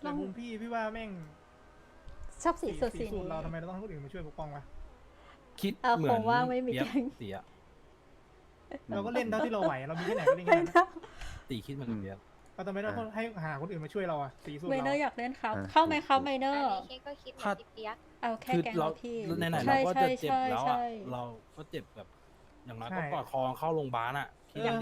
แต่มุมพี่ว่าแม่งชอบสีสุดสีสูตนี้รเราทำไมเราต้องให้คนอื่นมาช่วยปกป้องวะคิดเอาเหมืคอนงว่างไม่มีเปียกแก๊งตีอะเราก็เล่นเท่าที่เราไหวเรามีแค่ไหนก็เล่นไม่แค่นั้นเนอะตีคิดเหมือนเปียกเราทำไมเราต้องให้หาคนอื่นมาช่วยเราอะสีสูตรไมเนอเราร์อยากเล่นครับ เข้าไหมครับไมเนออันร์นี้เคก็คิดเหมือนพี่เปียกเอาแค่คือแก๊งเราเราพี่ไหนๆใช่เราก็ใช่จะเจ็บใช่แล้วใช่อะเราก็เจ็บแบบ อย่างน้อยก็กอดคอเข้าโรงพยาบาลอะคิดดูดิ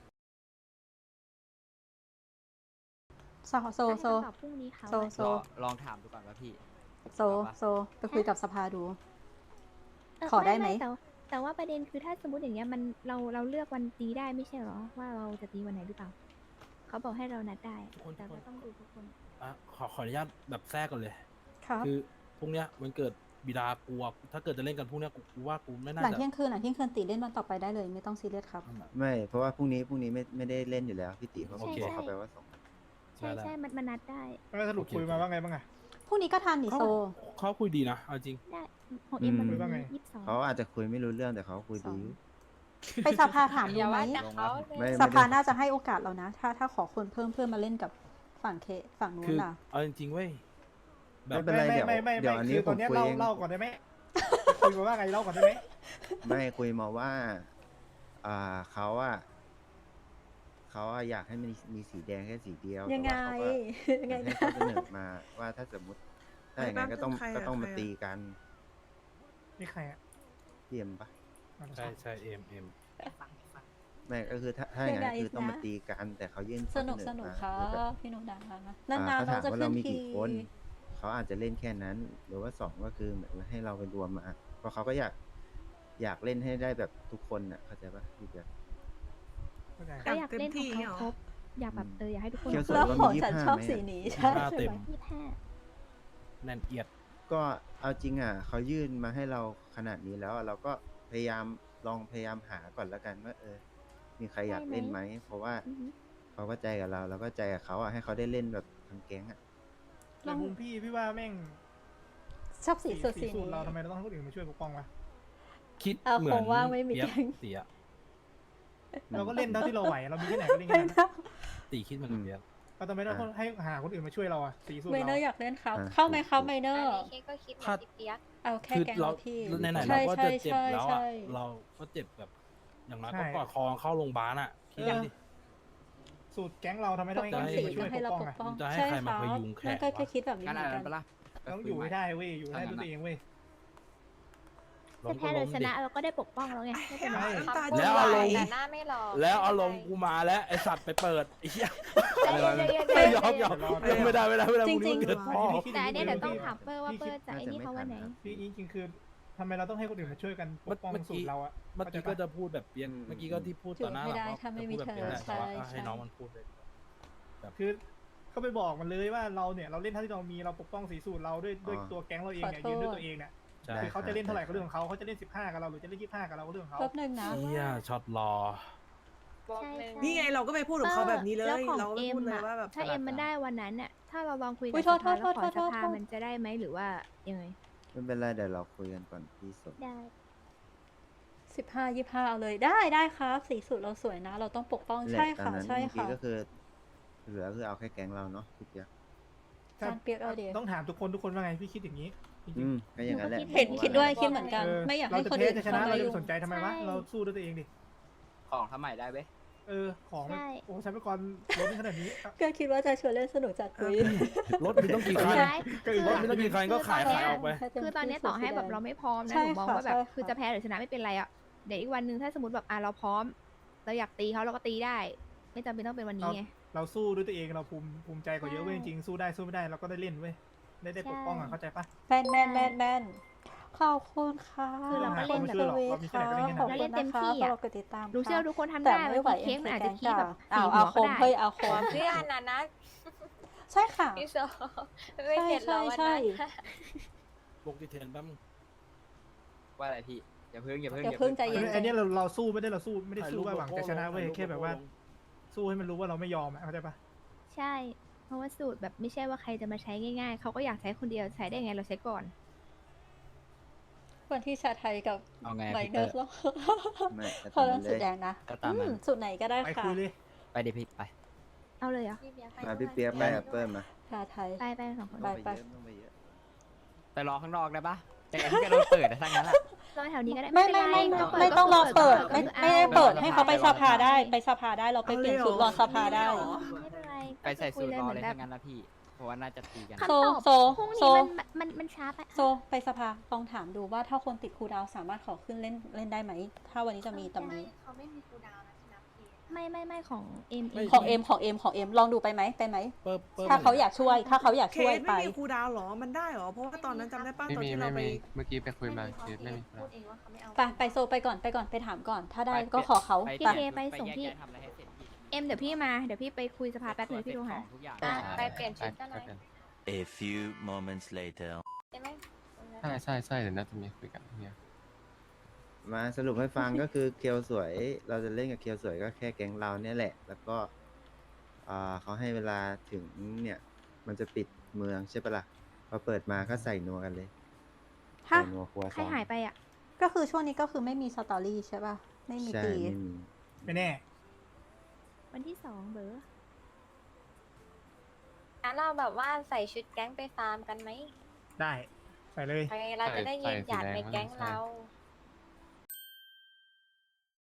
โซโซโซตอบพรุ่งนี้เขาโซโซลองถามดูก่อนว่าพี่โซโซไปคุยกับสภาดู ขอได้ไหมแต่ว่าประเด็นคือถ้าสมมติอย่างเงี้ยมันเราเลือกวันตีได้ไม่ใช่เหรอว่าเราจะตีวันไหนหรือเปล่าเขาบอกให้เรานัดได้แต่ก็ต้องดูทุกคนอ่ะขออนุญาตแบบแทรกก่อนเลยครับคือพรุ่งเนี้ยมันเกิดบิดากลัว ถ้าเกิดจะเล่นกันพรุ่งเนี้ยกูว่ากูไม่น่าหลังจะเที่ยงคืนตีเล่นวันต่อไปได้เลยไม่ต้องซีเรียสครับไม่เพราะว่าพรุ่งนี้ไม่ได้เล่นอยู่แล้วพี่ติเขาโอเคบอกเขาไปว่าส่งใช่ใช่มันนัดได้แล้วสรุปคุยมาว่าไงบ้างอะพรุ่งนี้ก็ทันดิโซเขาคุยดีนะเอาจริงได้ของเอ็มมันคุยว่าไง 22 เขาอาจจะคุยไม่รู้เรื่องแต่เขาคุยดีไปสภาถามดูไหมแต่เขาไม่สภาน่าจะให้โอกาสเรานะ ถ้าขอคนเพิ่มเพื่อมาเล่นกับฝั่งฝั่งนู้คืนอน่ะเอาจริงๆเว้ยแบไม่บเป็นไรเดี๋ยวอันนี้คือผตอนมเนี้ยคุยเองเล่าก่อนได้ไหมคุยมาว่าไงเล่าก่อนได้ไหมไม่คุยมาว่าเขาอยากให้มันมีสีแดงแค่สีเดียวยังไงแต่ว่าเขาก็ยังไงให้นะเขาเสนอมาว่าถ้าสมมติถ้าอย่างนั้นก็ต้องมาตีกันนี่ใครอะเทียมปะใช่เอ็มไม่ก็คือถ้าอย่างนั้นคือต้องมาตีกันแต่เขายื่นสนุกข้อสเนุกครัมาแบบพี่หนุดังนเขาานๆเราถามจะว่าขึ้เรานมีทีกี่คน เขาอาจจะเล่นแค่นั้น หรือว่าสองก็คือเหมือนให้เราไปรวมมา เพราะเขาก็อยากเล่นให้ได้แบบทุกคนน่ะเข้าใจปะพี่เบียร์เข้าใจก็อยากเล่นของเขาครบอยากแบบอยากให้ทุกคนเคียวสดแล้วว่าของมีฉัน 25 ชอบไหมสีอะนี้ใช่ 25 ใช่เต็มไหม 25 แน่นเอียดก็เอาจริงอ่ะเขายื่นมาให้เราขนาดนี้แล้วอะเราก็พยายามหาก่อนแล้วกันว่ามีใครอยากเล่นไหมเพราะว่าเขาก็ใจกับเราก็ใจกับเขาอ่ะให้เขาได้เล่นแบบทั้งแก๊งอ่ะแต่มุมพี่ว่าแม่งชอบสีสุดสีสูตนี้รเราทำไมเราต้องให้คนอื่นมาช่วยปกป้องวะคิดเอาเหมือคน งว่างไม่มีเปียกแก๊งตีอะเราก็เล่นเท่าที่เราไหวเรามีแค่ไหนก็เล่นไม่แค่นั้นเนอะตีคิดเหมือนเปียกเราทำไมเราต้องให้หาคนอื่นมาช่วยเราอะสีสูตรไมเนอเราร์อยากเล่นครับ เข้าไหมครับไมเนออันร์นี้เคก็คิดเหมือนพี่เปียกเอาแค่คือแก๊งเราเราพี่ไหนๆใช่เราก็จะเจ็บใช่แล้วใช่อะเราก็เจ็บแบบ อย่างน้อยก็กอดคอเข้าโรงพยาบาลอะคิดดูดิสูตรแก๊งเราทำไมปต้องกให้ป้คอน งอื่นสีมาช่วยให้ปเรากป้องปกอะป้องจะให้ใช่ใครคมารับพยุงแขนนั่นก็วะแค่คิดแบบนี้งั้นเหมือนอันกันั้น นปะล่ะต้องอยู่ให้ได้เว้ยอยู่ให้ได้ด้วยตัวเองเว้ยจะแพ้หรือชนะเราก็ได้ปกป้องแล้วไงไม่เป็นไรแล้วอารมณ์แต่หน้าไม่รอแล้วอารมณ์กูมาแล้วไอสัตว์ไปเปิดไอ้เหี้ยใจไม่เย็นยอมไม่ได้พรุ่งนี้มันเกิดพ่อแต่อันเนี้ยเดี๋ยวต้องถามเปอร์ว่าเปอร์จะไอ้นี่เขาวันไหนพี่จริงๆคือทำไมเราต้องให้คนอื่นมาช่วยกันปกป้องสูตรเราอะเมื่อกี้ก็จะพูดแบบเปียกเมื่อกี้ก็ที่พูดต่อหน้าไม่ได้เราถ้าไม่มีเธอจะพูดแบบใช่เปี๊ยกแหละแต่ว่าให้ใช่น้องมันพูดเลยคือก็ไปบอกมันเลยว่าเราเนี่ยเราเล่นเท่าที่เรามีเราปกป้องสีสูตรเราด้วยตัวแก๊งเราเองเนี่ยยืนด้วยตัวเองเนี่ยใช่คือเขาจะเล่นเท่าไหร่ก็เรื่องของเขาเขาจะเล่น15กับเราหรือจะเล่น25กับเราก็เรื่องของเขาแป๊บนึงนะเหี้ยช็อตรอใช่ใช่นี่ไงเราก็ไปพูดกับเขาแบบนี้เลยแล้วของเราก็เอ็พูมดเลยอะว่าแบบถ้าเอ็มมันได้วันนั้นน่ะถ้าเราลองคุยอุ๊กับยสภาโทแล้วษขอโทษสภาโทษมันจะได้ไหมหรือว่ายังไงไม่เป็นไรเดี๋ยวเราคุยกันก่อนพี่สมได้ 15 25เอาเลยได้ครับสีสุดเราสวยนะ เราต้องปกป้องแหละใช่ตอนค่ะนั้นใช่เมื่อกี้ค่ะก็คือเหลือคือเอาแค่แก๊งเราเนาะพี่เปียกจานเปียกเอาเดียวต้องถามทุกคนว่าไงพี่คิดอย่างนี้จริงก็อย่างนั้นแหละเห็นผมคิดด้วยาคิดเหมือนกัน ไม่อยากเราให้จะคนแพ้อื่นจะชเข้านะมาเราจะยุ่งสนใจทำไมวะเราสู้ด้วยตัวเองดิของทำใหม่ได้เว้ยของมันโอ้ใช้ไปก่อนรถขนาดนี้ก็คิดว่าจะชวนเล่นสนุกจัดคุยรถมีต้องกี่คันใช่รถมีต้องกี่คันก็ขายออกไปคือตอนเนี้ยต่อให้แบบเราไม่พร้อมนะใช่หนูมองค่ะว่าแบบใช่ค่ะคือจะแพ้หรือชนะไม่เป็นไรอ่ะเดี๋ยวอีกวันหนึ่งถ้าสมมติแบบเราพร้อม เราอยากตีเขาเราก็ตีได้ ไม่จำเป็นต้องเป็นวันนี้ไงเราสู้ด้วยตัวเองเราภูมิใจกว่าเยอะเว้ยจริงๆสู้ได้สู้ไม่ได้เราก็ได้เล่นเว้ยได้ปกป้องอ่ะเข้าใจปะแมนขอบคุณค่ะคือเราก็เล่นแบบสวีทค่ะขอบเราคุเล่ณนเต็นะมคะที่อะสำหรับกดติดตามรู้เชื่อค่ะทุกคนทำแต่ได้ไม่ไหวบางทีเค้กมันอาจจะขี้แบบเอาสีหัวคก็มได้เฮ้ยเอาคมเพื่อนนะใช่ค่ะพี่โซไม่เห็นเราวันใช่นั้นลงดีเทนแป๊บว่าอะไรพี่ อย่าเพิ่งอย่าเพิ่งใจเย็นอันนี้เราสู้ไม่ได้สู้ว่าหวังจะชนะเว้ยแค่แบบว่า สู้ให้มันรู้ว่าเราไม่ยอมเข้าใจปะใช่ เพราะว่าสูตรแบบไม่ใช่ว่าใครจะมาใช้ง่ายๆเขาก็อยากใช้คนเดียวใช้ได้ไงเราใช้ก่อนคนที่ชาไทยกับเอาไงไมพี่เนเตออร์ร์ไม่แต่พอตามเริ่นั้มนสุเลดยแดงนะก็ตามนั้นสุดไหนก็ได้ไปค่ะคุยเลยไปดิพี่ไปเอาเลยเหรอมาพี่เปียกไปแอปเปิลมาชาไทยไปสองคนไปต้องไปเยอะไปรอข้างนอกได้ปะแต่อันนี้ก็โดนเปิดนะทั้งนั้นแหละรอแถวนี้ก็ได้ไม่เป็นไรไม่ต้องรอเปิดก็ไม่ได้เปิดให้เขาไปสภาได้ไปสภาได้เราไปเอาเปเลยลี่ยนเหรอชุดรอสภาได้ไม่เป็นไรไปใส่สูตรรอเลยแบทั้บงนั้นนะพี่เพราะว่าน่าจะตีกันโซคำตอบโซพรุ่งโซนี้มันช้าไปโซไปสภาลองถามดูว่าถ้าคนติดครูลดาวน์สามารถขอขึ้นเล่นได้ไหม ถ้าวันนี้จะมีตำนี้เขาไม่มีคูลดาวน์นะที่นับเพจไม่ของเอ็มของเอ็มลองดูไปไหมถ้าเขาอยากช่วยเคช่วยสไปไม่มีครูดาวเหรอ มันได้เหรอ เพราะว่าตอนนั้นจำได้ป้าตอนที่เราไปเมื่อกี้ไปคุยมาเคสไม่มีพูดเองว่าเขาไม่เอาไปโซไปก่อนไปถามก่อน ถ้าได้ก็ขอเขาไปไปไปส่งพี่แยกย้ายทำอะไรให้เสร็จพี่เอ็มเดี๋ยวพี่มาเดี๋ยวพี่ไปคุยสภาแป๊บนึงพี่โทรหาทุกอย่างไปเปลี่ยนชุดกันหน่อย A few moments later. ใช่ไหมใช่เดี๋ยวน่าจะมีคุยกันเนี่ยมาสรุปให้ฟัง ก็คือเคียวสวย เราจะเล่นกับเคียวสวยก็แค่แก๊งเราเนี่ยแหละ แล้วก็เขาให้เวลาถึงเนี่ย มันจะปิดเมืองใช่ปะล่ะพอเปิดมาก็ใส่นัวกันเลยฮะใส่นัวครัวใครหายไปอ่ะก็คือช่วงนี้ก็คือไม่มีสตอรี่ใช่ป่ะ ไม่มีใช่ตีไม่มีไม่แน่วันที่2เบอร์งั้นเราแบบว่าใส่ชุดแก๊งไปฟาร์มกันไหมได้ใส่เลยไปเราจะได้ยืนหยัดในแก๊งเรา